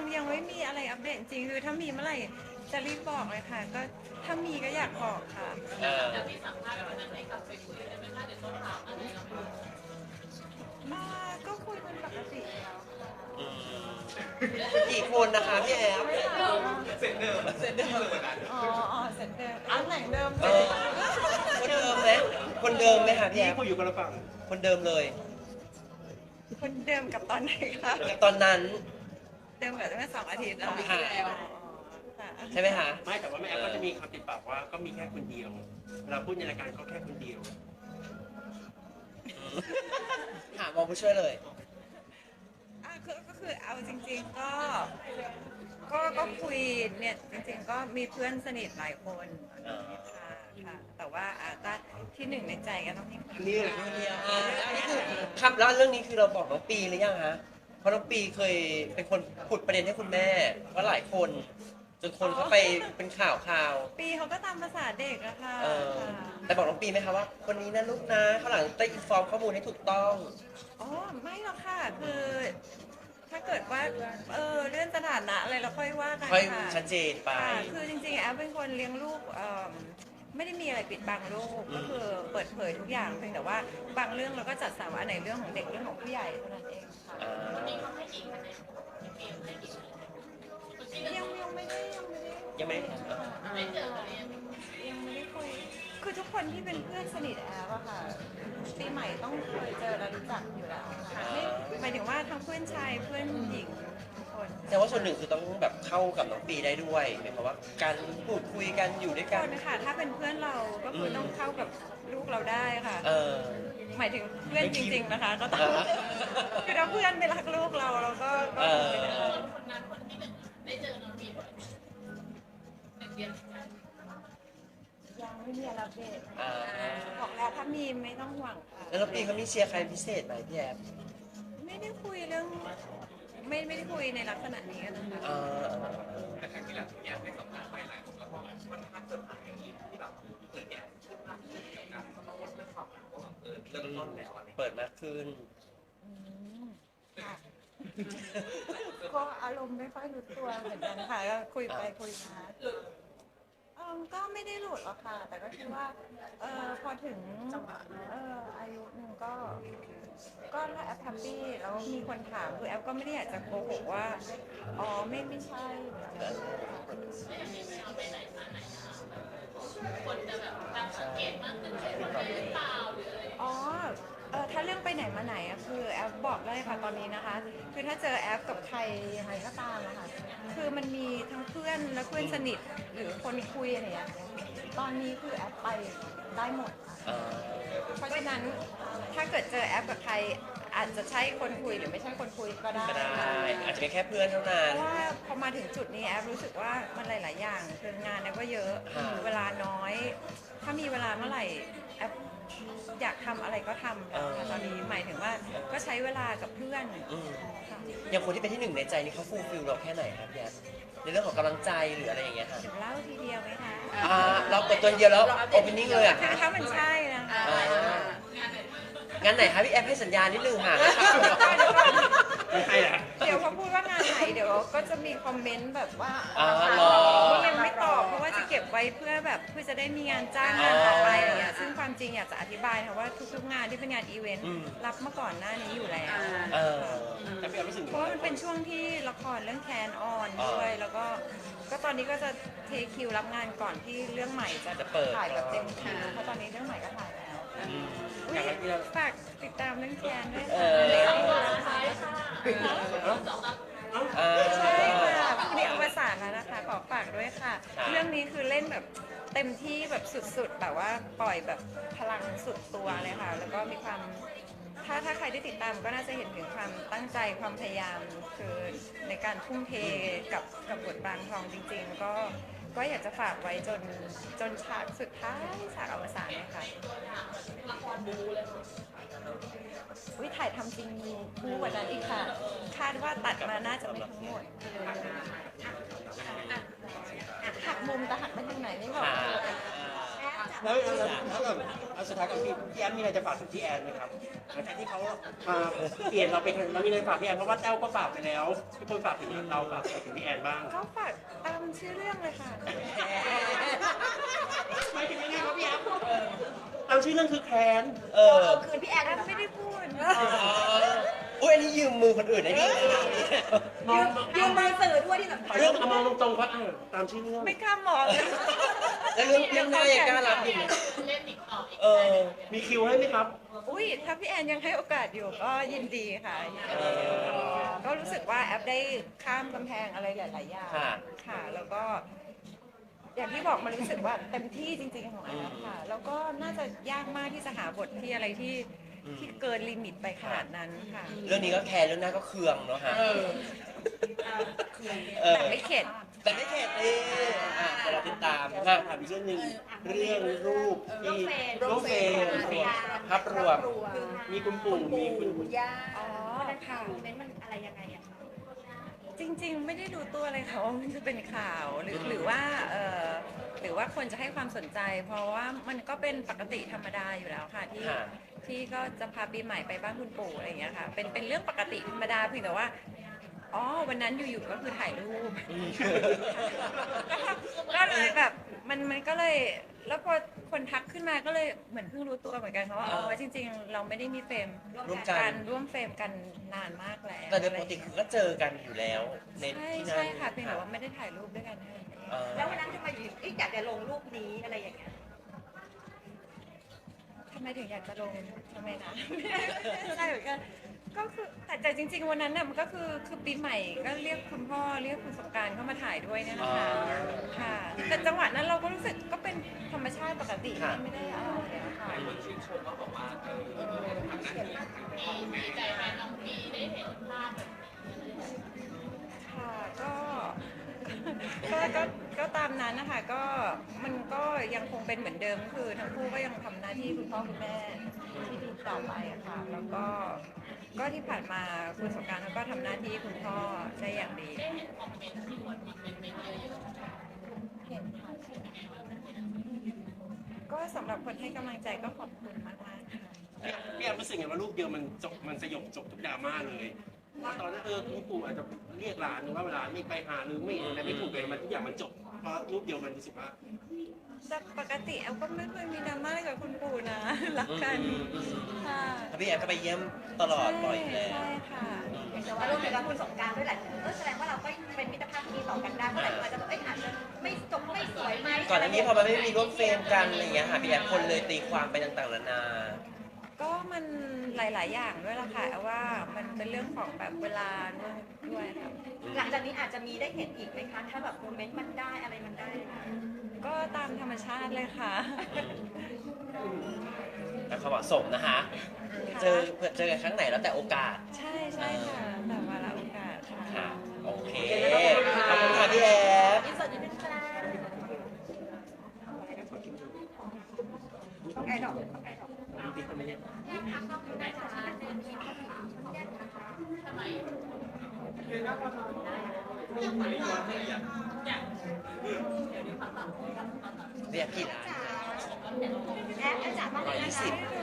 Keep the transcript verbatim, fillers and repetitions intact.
ยังไม่มีอะไรอัปเดตจริงคือถ้ามีเมื่อไหร่จะรีบบอกเลยค่ะก็ถ้ามีก็อยากบอกค่ะเออมาก็คุยเป็นปกติแล้วค่ะอืมกี่คนนะคะพี่แอฟเสร็จเดิมเสร็จเดิมเหมือนกันอ๋ออ๋อเสร็จเดิมตำแหน่งเดิมเออคนเดิมไหมคนเดิมไหมคะพี่พี่แอฟคุยอยู่กันละฝั่งคนเดิมเลยคนเดิมกับตอนไหนคะจากตอนนั้นเดิมกับตั้งแต่สองอาทิตย์แล้วค่ะค่ะใช่ไหมคะไม่แต่ว่าแม่แอฟก็จะมีคำติดปากว่าก็มีแค่คนเดียวเวลาพูดในรายการก็แค่คนเดียวถามมองผู้ช่วยเลยอ่ะคือก็คือเอาจริงๆก็ก็ก็คุยเนี่ยจริงๆก็มีเพื่อนสนิทหลายคนค่ะค่ะแต่ว่าอาจจะที่หนึ่งในใจก็ต้องมีคนนี่แหละคนเดียวอ่าอันนี้คือครับแล้วเรื่องนี้คือเราบอกน้องปีหรือยังฮะเพราะน้องปีเคยเป็นคนขุดประเด็นให้คุณแม่ว่าหลายคน จนคนเขาไปเป็นข่าวข่าวปีเขาก็ตามภาษาเด็กอะค่ะเออค่ะแต่บอกน้องปีไหมคะว่า คนนี้นะลูกนะข้างหลังได้อินฟอร์มข้อมูลให้ถูกต้องอ๋อไม่หรอกค่ะคือ ถ้าเกิดว่าเออเรื่องสถานะอะไรเราค่อยว่ากันค่อยค่ะชัดเจนไปค่ะคือจริงๆแอฟเป็นคนเลี้ยงลูกเอิ่มไม่ได้มีอะไรปิดบังลูกก็คือเปิดเผยทุกอย่างเพียงแต่ว่าบางเรื่องเราก็จัดสรรว่าอันไหนเรื่องของเด็กเรื่องของผู้ใหญ่เท่านั้นเองค่ะอ่ายังยังไม่ได้ยังไม่ได้ยังไม่ไม่เจอยังไม่ได้คุยคือทุกคนที่เป็นเพื่อนสนิทแอฟอะค่ะปีใหม่ต้องเคยเจอและรู้จักอยู่แล้วค่ะไม่หมายถึงว่าทั้งเพื่อนชายเพื่อนหญิงทุกคนแต่ว่าส่วนหนึ่งคือต้องแบบเข้ากับน้องปีได้ด้วยหมายความว่าการพูดคุยกันอยู่ด้วยคกันนนะคะถ้าเป็นเพื่อนเราก็คือต้องเข้ากับลูกเราได้ค่ะเออหมายถึงเพื่อนจริง ๆนะคะ ก็ต้องอ่าคือถ้าเพื่อนไม่รักลูกเราเราก็ก็เอคงไม่ได้อคนนั้นคนที่เป็นได้เจอน้องบีบ่อยหนึ่งเดือนยังไม่มีอะไรอัปเดตอ่าบอกแล้วถ้ามีไม่ต้องห่วงค่ะแล้วน้องปีเขามีเชียร์ใครพิเศษไหมพี่แอฟไม่ได้คุยเรื่องไม่ไม่ได้คุยในลักษณะนี้กันนะคะเออแต่ครั้งที่แล้วที่แอฟให้สัมภาษณ์ไปหลายคนก็บอกว่ามันน่าเซอร์ไพรส์ที่แบบเกิดแอฟพูดมากขึ้นกับการเขาต้องเรื่องความรักว่าเออเริ่มต้นแล้วอะไรเปิดมากขึ้นอืมค่ะก็อารมณ์ไม่ค่อยรู้ตัวเหมือนกันค่ะก็คุยไปคุยมาเออก็ไม่ได้หลุดหรอกค่ะ แต่ก็คิดว่าเออพอถึงเอออายุหนึ่งก็ ก็ถ้าแอปแฮปปี้แล้วมีคนถามคือแอปก็ไม่ได้อยากจะโกหกว่าอ๋อไม่ไม่ใช่หรืออะไรอย่างเงี้ยค่ะคนจะแบบตั้งสังเกตมากขึ้นใช่คนนี้หรือเปล่าหรืออะไรอ๋อเออถ้าเรื่องไปไหนมาไหนอะคือแอปบอกได้เลยค่ะตอนนี้นะคะ คือถ้าเจอแอปกับใครยังไงก็ตามอะค่ะคือมันมีทั้งเพื่อนและเพื่อนสนิทหรือคนคุยอะไรอย่างเงี้ยตอนนี้คือแอปไปได้หมดค่ะเออเพราะฉะนั้นถ้าเกิดเจอแอปกับใครอาจจะใช่คนคุยหรือไม่ใช่คนคุยก็ได้ก็ได้ค่ะอาจจะเป็นแค่เพื่อนเท่านั้เพนราะว่าพอมาถึงจุดนี้แอปรู้สึกว่ามันหลาย ๆ อย่างคืองานแอปก็เยอะค่ะเวลาน้อย ถ้ามีเวลาเมื่อไหร่แอปอยากทำอะไรก็ทำแล้วค่ะตอนนี้หมายถึงว่าก็ใช้เวลากับเพื่อนอืมค่ะอย่างคนที่เป็นที่หนึ่งในใจนี่เขาฟูลฟิลเราแค่ไหนครับพี่แอฟในเรื่องของกำลังใจหรืออะไรอย่างเงี้ยค่ะเดี๋ยวเล่าทีเดียวไหมคะอ่าเราเปิดตัวเดียวแล้วโอเพนนิ่งเลยอ่ะคือถ้ามันใช่นะคะอ่างานไหนคะพี่แอฟให้สัญญาณนิดนึงค่ะไม่ใช่แหละเดี๋ยวพอพูดว่างานไหนเดี๋ยวก็จะมีคอมเมนต์แบบว่าอ่ารอนี่ยังไม่ตอบเพราะว่าจะเก็บไว้เพื่อแบบเพื่อจะได้มีงานจ้างงานต่อไปอะไรอย่างเงี้ยซึ่งความจริงอยากจะอธิบายค่ะว่าทุกๆงานที่เป็นงานอีเวนต์อืมรับมาก่อนหน้านี้อยู่แล้วเออแต่พี่แอฟรู้สึกเพราะว่ามันเป็นช่วงที่ละครเรื่องแคนออนด้วย แล้วก็ก็ตอนนี้ก็จะเทคิวรับงานก่อนที่เรื่องใหม่จะจะเปิดถ่ายแบบเต็มคิวเพราะตอนนี้เรื่องใหม่ก็ถ่ายแล้วอืมอุ๊ยฝากติดตามเรื่องแคนด้วยเอค่ะอ อ่าใช่ค่ะพรุ่งนี้อวสานแล้วนะคะ ขอฝากด้วยค่ะครับเรื่องนี้คือเล่นแบบเต็มที่แบบสุดๆ แบบว่าปล่อยแบบพลังสุดตัวเลยค่ะ แล้วก็มีความ ถ้าถ้าใครได้ติดตามก็น่าจะเห็นถึงความตั้งใจความพยายามคือในการทุ่มเทกับกับบทบางทองจริงๆ ก็ก็อยากจะฝากไว้จนจนฉากสุดท้ายฉากอวสานเลยค่ะวิถ่ายทำจริงมีบูกว่านั้นอีกค่ะ คาดว่าตัดมาน่าจะไม่ทั้งหมดหักมุมแต่หักไปทางไหนไม่บอกค่ะแอปจะแล้วแล้วถ้าแบบเอาสุดท้ายกับพี่พี่แอมมีอะไรจะฝากถึงพี่แอนไหมครับหลังจากที่เขามาเปลี่ยนเราเป็นเรามีอะไรฝากพี่แอนเพราะว่าแต้วก็ฝากไปแล้วพี่คนฝากถึงเราฝากถึงพี่แอนบ้างก็ฝากตามชื่อเรื่องเลยค่ะไม่ถึงยังไงครับพี่แอมเราชื่อเรื่องคือแคนเออคืนพี่แอนแอมไม่ได้พูดอุ้ยอันนี้ยืมมือคนอื่นได้ดีนะมองยืมมือสื่อด้วยที่สำคัญเรื่องมองตรงๆว่าตามชื่อเรื่องไม่กล้ามองเลยแล้วเรื่องเรื่องหน้ายังกล้ารับอยู่ไหมเล่นอีกต่ออีกเออมีคิวให้ไหมครับอุ้ยถ้าพี่แอนยังให้โอกาสอยู่ก็ยินดีค่ะยินดีก็รู้สึกว่าแอปได้ข้ามกำแพงอะไรหลาย ๆ อย่างค่ะค่ะ แล้วก็ อย่างที่บอกมันรู้สึกว่าเต็มที่จริง ๆ ของแอปค่ะ แล้วก็น่าจะยากมากที่จะหาบทที่อะไรที่ที่เกินลิมิตไปขนาดนั้นค่ะเรื่องนี้ก็แคร์เรื่องหน้าก็เคืองเนาะฮะเออแต่ไม่เข็ดแต่ไม่เข็ดเลยอ่ะเดี๋ยวเราติดตามถานะมอีกเรื่องหนึ่งเรื่องรูปที่รูปเฟรมภาพรวมมีคุณปู่มีคุณปู่ย่าอ๋อค่ะค่ะโมเมนต์มันอะไรยังไงอะจริง ๆ ไม่ได้รู้ตัวเลยค่ะว่ามันจะเป็นข่าวหรือหรือว่าเออหรือว่าคนจะให้ความสนใจ เพราะว่ามันก็เป็นปกติธรรมดาอยู่แล้วค่ะที่ค่ะที่ก็จะพาปีใหม่ไปบ้านคุณปู่อะไรอย่างเงี้ยค่ะ เป็นเป็นเรื่องปกติธรรมดาเพียงแต่ว่าอ๋อวันนั้นอยู่ๆก็คือถ่ายรูปอืมก็เลยแบบมันมันก็เลยแล้วพอคนทักขึ้นมาก็เลยเหมือนเพิ่งรู้ตัวเหมือนกันเพราะว่าอ๋อจริง ๆ เราไม่ได้มีเฟรมร่วมกันร่วมเฟรมกันนานมากแล้วแต่โดยปกติคือก็เจอกันอยู่แล้วในใช่ที่นั่นใช่ค่ะเพียงแต่ว่าไม่ได้ถ่ายรูปด้วยกันเท่านั้นเองเออแล้ววันนั้นทำไมอยู่เอ๊ะอยากจะลงรูปนี้อะไรอย่างเงี้ยทำไมถึงอยากจะลงทำไมนะ ไม่ได้เหมือนกันก็คือแต่แต่จริง ๆ วันนั้นน่ะมันก็คือคือปีใหม่ก็เรียกคุณพ่อเรียกคุณสงกรารเข้ามาถ่ายด้วยเนี่ยนะคะค่ะแต่จังหวะนั้นเราก็รู้สึกก็เป็นธรรมชาติปกติไม่ไม่ได้อะไรอะค่ะคนชื่นชมก็บอกว่าเออทำหน้าที่อย่างนั้นดีใจแทนน้องปีได้เห็นภาพแบบนี้ค่ะก็ก็ก็ก็ตามนั้นนะคะก็มันก็ยังคงเป็นเหมือนเดิมคือทั้งคู่ก็ยังทำหน้าที่คุณพ่อคุณแม่ที่ดีต่อไปอะค่ะแล้วก็ก็ที่ผ่านมาคุณสงกรานต์เขาก็ทำหน้าที่คุณพ่อได้อย่างดีได้เห็นคอมเมนต์ที่คนคอมเมนต์ไปเยอะเห็นค่ะก็สำหรับคนให้กำลังใจก็ขอบคุณมากมากๆค่ะพี่แอมรู้สึกไงว่ารูปเดียวมันจบมันสยบจบทุกดราม่าเลยว่าตอนนั้นเออคุณปู่อาจจะเรียกหลานหรือว่าเวลาไม่ไปหาหรือไม่อะไรไม่ถูกเลยมันทุกอย่างมันจบเพราะรูปเดียวมันรู้สึกว่าแต่ปกติแอลก็ไม่เคยมีดราม่าอะไรกับคุณปู่นะ รักกันค่ะแล้วพี่แอนก็ไปเยี่ยมตลอดบ่อยอยู่แล้วใช่ค่ะแต่ว่ารวมถึงกับคุณสงกรารด้วยแหละเออแสดงว่าเราก็เป็นมิตรภาพที่ดีต่อกันได้เมื่อไหร่ก็อาจจะแบบเอ้ยอาจจะไม่จบไม่สวยไหมก่อนอันนี้พอมันไม่มีร่วมเฟรมกันอะไรอย่างเงี้ยค่ะพี่แอนคนเลยตีความไปต่างๆนานาก็มันหลาย ๆ อย่างด้วยล่ะค่ะแอลว่ามันเป็นเรื่องของแบบเวลาด้วยด้วยค่ะหลังจากนี้อาจจะมีได้เห็นอีกไหมคะถ้าแบบโมเมนต์มันได้อะไรมันได้ก็ตามธรรมชาติเลยค่ะแต่ความเหมาะสมนะคะ เจอเผื่อเจอกันครั้งไหนแล้วแต่โอกาสใช่ใช่ค่ะแต่วาระโอกาสค่ะค่ะ โอเค ขอบคุณค่ะพี่แอฟอินเสิร์ตนิดนึงค่ะไก่ดอกไก่ดอกติ๊กคนไม่ได้ทำไมเรียกกี่ร้านแอปอาจารย์มาเลยร้อยยี่นะสิบคะ